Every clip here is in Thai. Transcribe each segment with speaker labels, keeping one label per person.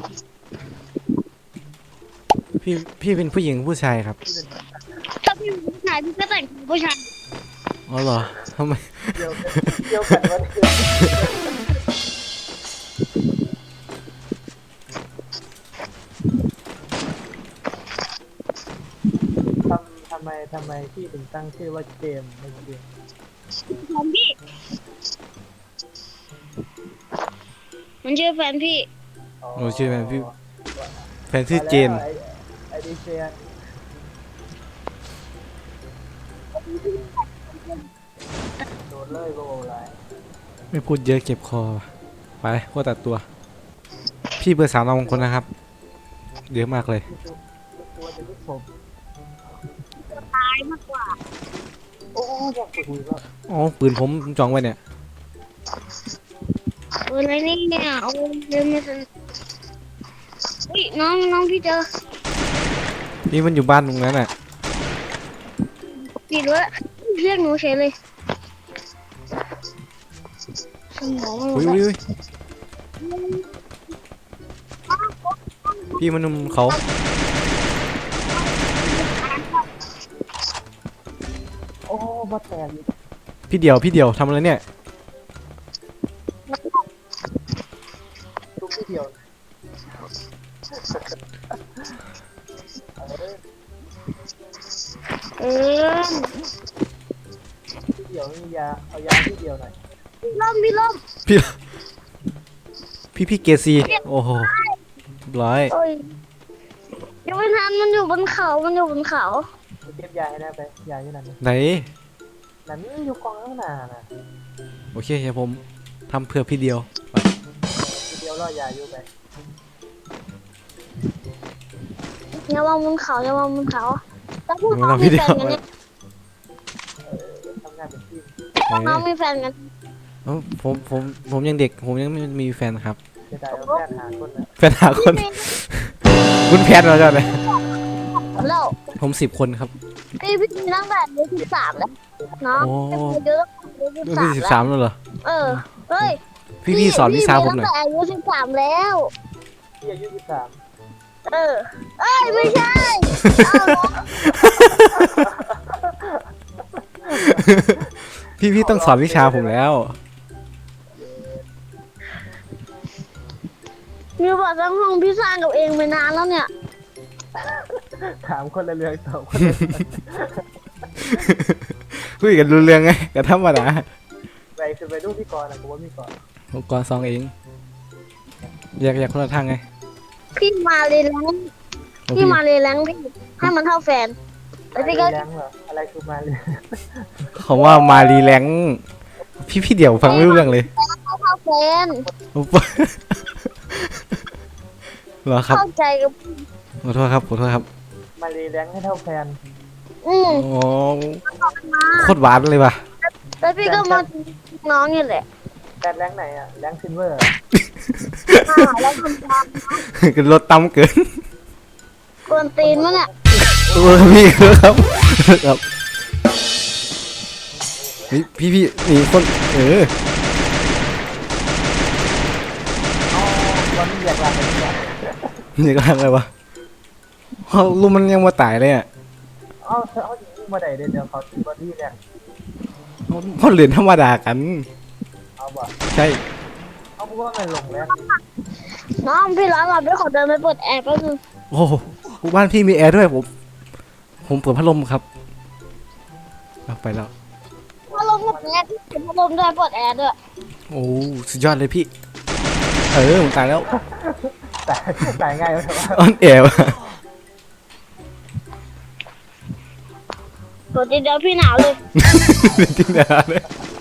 Speaker 1: พี่พี่เป็นผู้หญิงผู้ชายครับ
Speaker 2: ถ้าพี่เป็นผู้ชายพี่ก็แต่งเป็นผู้ชาย
Speaker 1: อ๋อเหรอทำไม
Speaker 3: เดียวกันวันเดียวทำไมพี่ถึงตั้งชื่อว่าเกมในเกม
Speaker 2: ของพี่มันชื่อแฟนพี่
Speaker 1: หนูชื่อแฟนพี่แฟนชื่อเจน
Speaker 3: ไอดีเจนโดนเลยโบว์ไร
Speaker 1: ไม่พูดเยอะเก็บคอไปพวกตัดตัว พี่เบอร์สามเรามงคลนะครับเยอะมากเลย
Speaker 3: ตัวจะลูกผม
Speaker 2: ตายมากกว่า
Speaker 3: โอ้อยากคุยแล้ว
Speaker 1: อ๋อปืนผมจองไว้เนี่ย
Speaker 2: อะไรเนี่ยเอาเดินมาสิอุ้ยน้องพี่เจอ
Speaker 1: นี่มันอยู่บ้านตรงนั้นน่ะ
Speaker 2: ปิดไว้เรียกหนูเฉยเลยสมอง
Speaker 1: อุ้ยพี่มันนุ่มเขา
Speaker 3: โอ้มาแตก
Speaker 1: พี่เดียวทำอะไรเนี่ย
Speaker 3: ทุกที่เดียว
Speaker 2: เออ
Speaker 3: ที่เดียวมียาเอายาที่เดียวหน่อย
Speaker 2: พี่ล่ม
Speaker 1: พี่เกซีโอ้โหร้อย
Speaker 2: โอ้ยยังไม่ทันมันอยู่บนเขา
Speaker 3: เก็บยาให้ได้ไปยาที่นั่น
Speaker 1: ไหน
Speaker 3: นั่นอยู่กองข้างหน้าน่ะ
Speaker 1: โอเคเดี๋ยวผมทำเพื่อพี่เดียวไป
Speaker 3: ที่เดียวรอยาอยู่ไป
Speaker 2: อย่ามองบนเขาแล้วพวก
Speaker 1: มา
Speaker 2: น้อง
Speaker 1: ทำ
Speaker 2: มี
Speaker 1: พี่
Speaker 2: แฟ
Speaker 1: เดีย
Speaker 2: น
Speaker 1: ว
Speaker 2: กันเนี่ย
Speaker 3: ทำงานเป็นทีม
Speaker 2: พวกน้องมีแฟนกัน
Speaker 1: เอ้าผมยังเด็กผมยังไม่มีแฟนครับ
Speaker 3: จะได้เอาแพทย์หาคนนะ
Speaker 1: แฟนหาคนคุณแพทย์เราจะไหน
Speaker 2: แล้ว
Speaker 1: ผม10 คนครับ
Speaker 2: พี่มีตั้งแต่อายุ13แล้วน้อง
Speaker 1: โอ้
Speaker 2: เยอะตั้งแต่อายุ
Speaker 1: รุ่นที่
Speaker 2: 13
Speaker 1: 13แล้วเหรอ
Speaker 2: เออเฮ้ย
Speaker 1: พี่สอนวิชาผมหน่อย
Speaker 2: ตั้งแต่อายุ13แล้ว
Speaker 3: ที่อายุ13
Speaker 2: เออเอ้ยไม่ใช่
Speaker 1: พี่ต้องสอนวิชาผมแล้ว
Speaker 2: มีบอกทั้งห้องพี่สร้างกับเองไปนานแล้วเนี่ย
Speaker 3: ถามคนละเรื่องตอบคน
Speaker 1: คุยกันรู้เรื่องไงแต่ธรรมดา
Speaker 3: ไปคือไปดูพี่กรณ์นะกูว่าพี่กรณ์
Speaker 1: ผมก่อนซองเองอยากคนละทางไง
Speaker 2: พี่มาเลยแรงพี่มาเลยแรงพี่ให้มันเท่าแฟนแล้วพี่ก็
Speaker 3: แรงเหรออะไรคือมาเลย
Speaker 1: เขาว่ามารีแลงค์พี่เดี๋ยวฟังไม่รู้เรื่องเลย
Speaker 2: เท่าแฟน
Speaker 1: เหรอครับ
Speaker 2: เข้าใจกับ
Speaker 1: ขอโทษครับ
Speaker 3: มาเลยแรงให้เท่าแฟน
Speaker 1: โอ้โคตรหวานเลยว่ะ
Speaker 2: แล้วพี่ก็มาน้องนี่แหละ
Speaker 3: แฟนแรงไหนอ่ะแรงซิลเวอร์
Speaker 2: แล้วทำตาม
Speaker 1: กันรถตั้มเกิน
Speaker 2: กวนตีนมั้งเนี่ย
Speaker 1: พี่ครับพี่นี่คน
Speaker 3: อ๋อวันนี้อยากลาไปที่ไหน
Speaker 1: นี่ก็ทำอะไรวะลุงมันยังมาตายเลยอ่ะ
Speaker 3: อ๋อเขาถึงมาไหนเดี๋ยวเขาตีบอดี้เนี่ย
Speaker 1: เขาเหรียญธรรมดากัน
Speaker 3: เอาบ่
Speaker 1: ใช่
Speaker 3: เอาพวกว่ามันลงแล้ว
Speaker 2: น้องพี่ร้อนเราด้วยขอเดินไปเปิดแอร์แป๊บนึง
Speaker 1: โอ้บ้านพี่มีแอร์ด้วยผมเปิดพัดลมครับเอาไปแล้ว
Speaker 2: พัดลมหมดแอร์พี่เปิดพัดลมด้วยเปิดแอร์ด้วย
Speaker 1: โอ้สุดยอดเลยพี่ผมตายแล้ว
Speaker 3: ตายง่ายเลยว่า
Speaker 1: ออนแอร์ว่ะ
Speaker 2: ตัวเดียวพี่หนาวเลย
Speaker 1: จริงนะเลย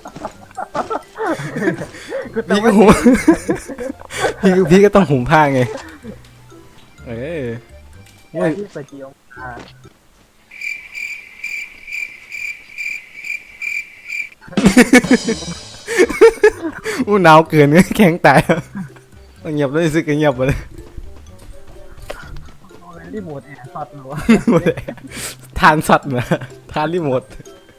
Speaker 3: คือ
Speaker 1: พี่ก็หูพี่ก็ต้องหุมผ้าไงโอ้ย
Speaker 3: ที่สกีองศา
Speaker 1: อู้หนาวเกินแข็งตายต้องเงียบเลยสิเงียบไปเลย
Speaker 3: รีโมทแอร์สอดหรือวะ
Speaker 1: ทานสัตว์นะทานรีโมท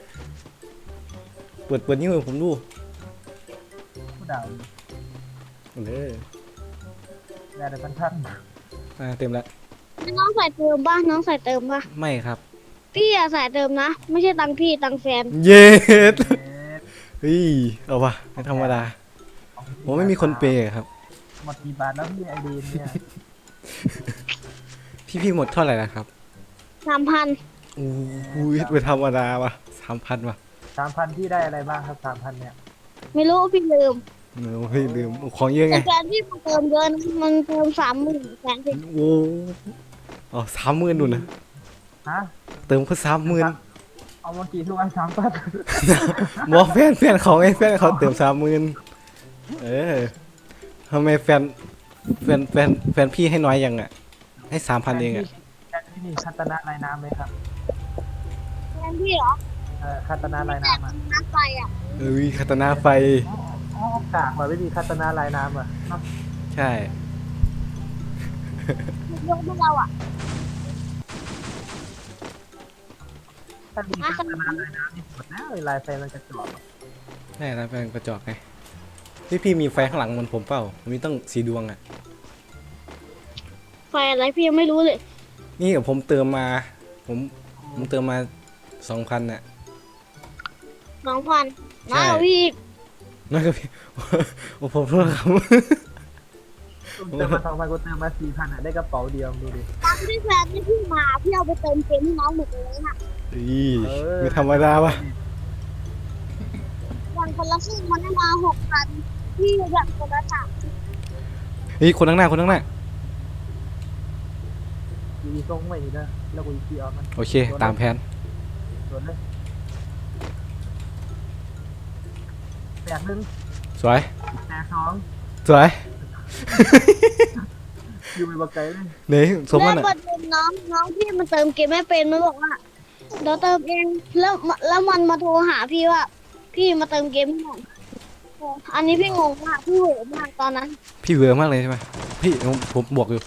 Speaker 1: เปิดนิ้วให้ผมดู
Speaker 3: ผู้ด่า
Speaker 1: เด้อ
Speaker 3: ท่าน
Speaker 1: เต็มแล้ว
Speaker 2: น้องใส่เติมป่ะน้องใส่เติมป่ะ
Speaker 1: ไม่ครับ
Speaker 2: พี่อะใส่เติมนะ ไม่ใช่ตังค์พี่ตังค์แฟน
Speaker 1: เย็ด
Speaker 3: เอ๊ะ
Speaker 1: เฮ้ยเอาวะไม่ธรรมดาผมไม่มีคนเปย์ครับ
Speaker 3: หมดกี่บาทแล้วพี่ไอดีนเนี่ย
Speaker 1: พี่หมดเท่าไหร่แล้วครับ
Speaker 2: 3,000
Speaker 1: โอ้โหไม่ธรรมดาวะ3,000วะ
Speaker 3: 3,000พี่ได้อะไรบ้างครับ3,000เนี่ย
Speaker 2: ไม่รู้พี่ลืม
Speaker 1: เฮ้ยลืมของเยอะไง
Speaker 2: แต่แฟนพี่มาเติมเยอะนะมันเติม30,000แฟนพี่
Speaker 1: โอ้อ๋อ30,000นู่นนะ
Speaker 3: ฮะ
Speaker 1: เติมก็30,000
Speaker 3: เอามากี่ทุกอัน3,000
Speaker 1: บอกแฟนเขาไงแฟนเขาเติม30,000ทำไมแฟนพี่ให้น้อยยังอ่ะให้3,000เองอ่ะ
Speaker 3: แฟนพี่นี่คัตนาลายน้ำไหมครับ
Speaker 2: แฟนพี่เหรอ
Speaker 3: คัตนาลายน้ำอ่ะ
Speaker 2: น้ำไฟอ่ะ
Speaker 1: เอ้ยคาตานาไฟ
Speaker 3: อ๋อกากมาไม่มีคัตนาลายน้ำอ่ะเนาะ
Speaker 1: ใช่
Speaker 2: ยกให้เราอ่ะ
Speaker 3: ถ้ามีคัตนาลายน้ำนี่หมดแล้วลายไฟมันจะจบ
Speaker 1: ใช่แล้วแฟนกระจอกไงพี่มีไฟข้างหลังเหมือนผมเปล่ามีตั้ง4 ดวงอ่ะ
Speaker 2: ไฟอะไรพี่ยังไม่รู้เลย
Speaker 1: นี่ผมเติมมาผมเติมมา 2,000น่ะ
Speaker 2: 2,000
Speaker 1: ใช่
Speaker 2: มาพี่อีก
Speaker 1: นั่นก็พี่ โอ้ผมโทษครับ
Speaker 3: เติมมา2,000กูเติมมา4,000อ่ะได้กระเป๋าเดียวดูดิ
Speaker 2: ตอนที่แฟนที่พี่มาพี่เอาไปเติมเกมให้น้องหมดเลยนะ
Speaker 1: อีไม่ธรรมดาวะ
Speaker 2: วันคนละครึ่งมันได้มา6,000พี่แบ่งคนละ3,000
Speaker 1: เฮ้ยคนข้างหน้า
Speaker 3: อยู่ทรงไม่ดีนะแล้วกูอีออกมัน
Speaker 1: โอเคตามแผน
Speaker 3: สวนเลยแตกหนึ่ง
Speaker 1: สวย
Speaker 3: แตกสอง
Speaker 1: สวย
Speaker 3: อยู่ไปบักไก่เลย
Speaker 1: เดี๋ยวสมมัน
Speaker 2: แล้ว
Speaker 1: อ่ะ
Speaker 2: ประเด็นน้องพี่มันเติมเกมไม่เป็นมันบอกว่าเดี๋ยวเติมเองแล้วมันมาโทรหาพี่ว่า พี่มาเติมเกมให้หน่อยอันนี้พี่งงมากพี่โหดมากตอนนั้น
Speaker 1: พี่เวอร์มากเลยใช่ไหมพี่ผมบวกอยู่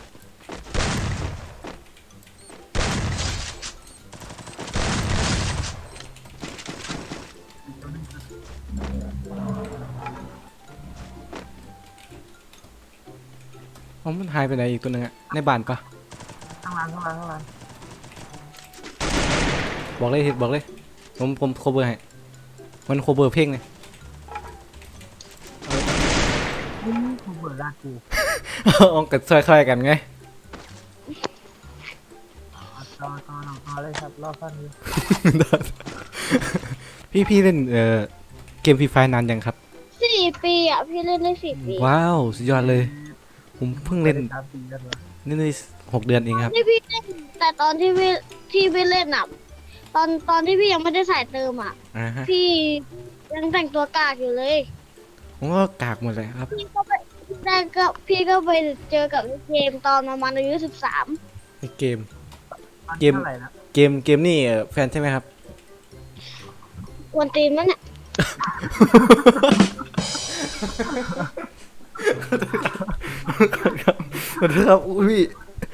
Speaker 1: อ๋อมันหายไปไหนอีกตัวหนึงอ่ะในบ้านปะ
Speaker 3: ข้างล่าง
Speaker 1: บอกเลยผมโคเวอร์ให้มันโคเวอร์เพลงเลย
Speaker 3: กูเบื่อลากกู
Speaker 1: เอากัดซอยๆกันไง
Speaker 3: ต่อเลยครับรอบฟันนี้
Speaker 1: พี่เล่นเกมฟรีไฟนานยังครับ
Speaker 2: 4 ปีอ่ะพี่เล่นได้4 ปี
Speaker 1: ว้าวสุดยอดเลย ผมเพิ่งเล่น
Speaker 3: 3 ปีกันวะ
Speaker 1: ได้6 เดือนเองครับ
Speaker 2: ที่พี่เล่นแต่ตอนที่พี่เล่นอ่ะตอนที่พี่ยังไม่ได้ใส่เติมอ่ะ
Speaker 1: ฮะ
Speaker 2: พี่ยังแต่งตัวกากอยู่เลย
Speaker 1: ผมก็กากหมดเลยครับ
Speaker 2: พี่ก็ไปเจอกับเกมตอนประมาณอายุ13
Speaker 1: ในเกม
Speaker 3: มัน
Speaker 1: เกม
Speaker 3: เท่าไหร่ละ
Speaker 1: เกมนี่แฟนใช่ไหมครับ
Speaker 2: กวนตีนมันเนี่ย
Speaker 1: ขอโทษครับอุ้ย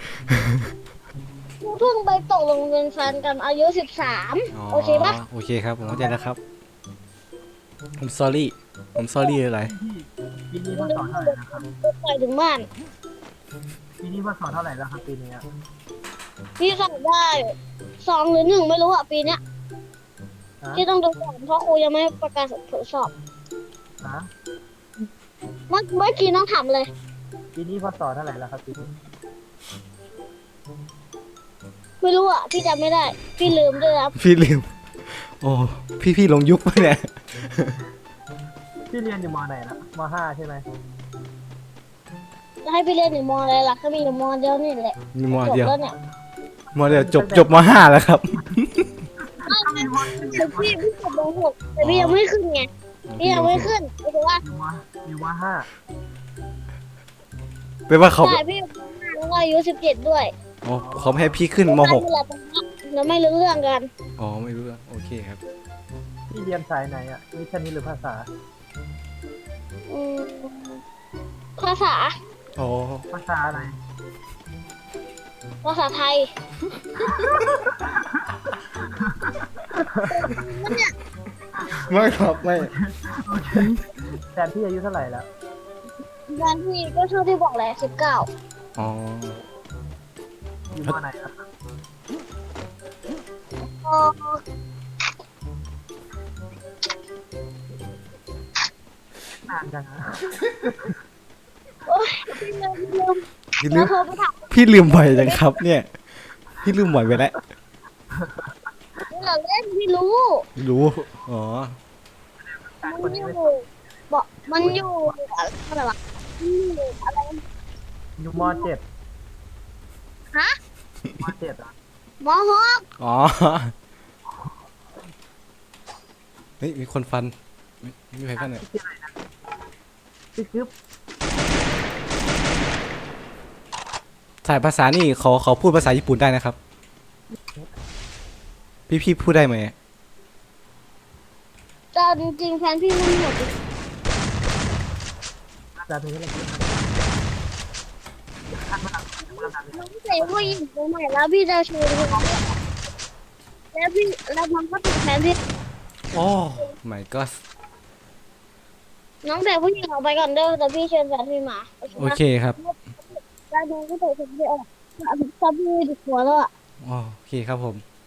Speaker 2: เพิ่งไปตกลงเป็นแฟนกันอายุ13โอเคปะ
Speaker 1: โอเคครับผมเข้าใจแล้วครับผม sorry อะไร
Speaker 3: ปีนี้พ่อสอนเท่าไหร่นะครับ
Speaker 2: ไปถึงบ้าน
Speaker 3: ปีนี้พ่อสอนเท่าไหร่แล้วครับปีนี้อะ
Speaker 2: พี่สอบได้2 หรือ 1ไม่รู้อ่ะปีเนี้ย
Speaker 3: ฮะ
Speaker 2: ที่ต้องดูก่อนเพราะครูยังไม่ประกาศผลสอบ
Speaker 3: ฮะ
Speaker 2: เมื่อกี้น้องถามเลย
Speaker 3: ปีนี้พ่อสอนเท่าไหร่แล้วครับปีนี้
Speaker 2: ไม่รู้อ่ะพี่จำไม่ได้ พี่ลืมด้วยครับ
Speaker 1: พี่ลืมโอ้พี่ลงยุคไปเนี่ย
Speaker 3: พี่เรียนอยู่มไหนละม5ใช่ไหม
Speaker 2: จะให้พี่เล่นอยู่มอะไรล่ะก็มีอยู่มเดียวนี่แหละ
Speaker 1: มีมอ
Speaker 2: จบ
Speaker 1: เดียว
Speaker 2: แล้วเนี่ย
Speaker 1: มอเดียวจบม5แล้วครับ
Speaker 2: คือพี่จบม6แต่พี่ยังไม่ขึ้นไงพี่ยังไม่ขึ้นก็คือว่า
Speaker 3: อยู่ม5
Speaker 1: แปลว่าเขา
Speaker 2: ใช่พี่อยู่ม5แล้วก็อายุ17ด้วย
Speaker 1: อ๋อเขาไม่ให้พี่ขึ้นม
Speaker 2: ใช่นี่แหละตรงนี้เราไม่รู้เรื่องกัน
Speaker 1: .6 อ๋อไม่รู้เรื่องโอเคครับ
Speaker 3: พี่เรียนสายไหนอ่ะวิชานี้หรือภาษา
Speaker 2: อืมภาษา
Speaker 1: อ๋อ
Speaker 3: ภาษาอะไร
Speaker 2: ภาษาไทย
Speaker 1: ไม่ครับไม่
Speaker 3: โอเคแฟนพี่อายุเท่าไหร่แล้ว
Speaker 2: งานพี่ก็เท่าที่บอกแหละ19
Speaker 1: อ๋อ
Speaker 3: อยู่มอไหนครับ
Speaker 2: เออ
Speaker 3: นานจังนะ
Speaker 2: โอ๊ยพี่ลืมพี่ลืม
Speaker 1: พี่ลื
Speaker 2: เดี๋ยว
Speaker 1: ม
Speaker 2: โทรไปถาม
Speaker 1: พี่ลืมบ่อยจังครับ เนี่ย พี่ลืมบ่อยไปแล้ว
Speaker 2: พี่เราเล่นพี่รู้
Speaker 1: รู้ อ๋อ
Speaker 2: มันอยู่บอกมันอยู่อะไรวะมันอยู่อะไร
Speaker 3: อยู่มเจ็ด
Speaker 2: ฮะ
Speaker 3: มเจ็ดอ่ะ
Speaker 2: มอฮอก
Speaker 1: อ๋อ เฮ้ย มีคนฟัน ไม่มีใครฟันเนี่ย
Speaker 3: ชื่ออะไรนะชื่อกึ๊บ
Speaker 1: สายภาษานี่เขาพูดภาษาญี่ปุ่นได้นะครับ พี่พูดได้ไหม
Speaker 2: แต่จริงๆแฟนพี่มันหมด
Speaker 3: จะถึงอะไรกัน
Speaker 2: น้องเสียผู้หญิงคนใหม่แล้วพี่จะชวนเขาแล้วพี่แล้วมันก็ติดแฟนพี่
Speaker 1: โอ้ my god
Speaker 2: น้องเสียผู้หญิงออกไปก่อนเด้อแต่พี่เชิญแฟนพี่มา
Speaker 1: โอเคครับ
Speaker 2: แล้วน้องก็เตะแฟนพี่ออกถ้าพี่ดิหัวแล้วอ่ะ
Speaker 1: อ๋อโอเคครับผม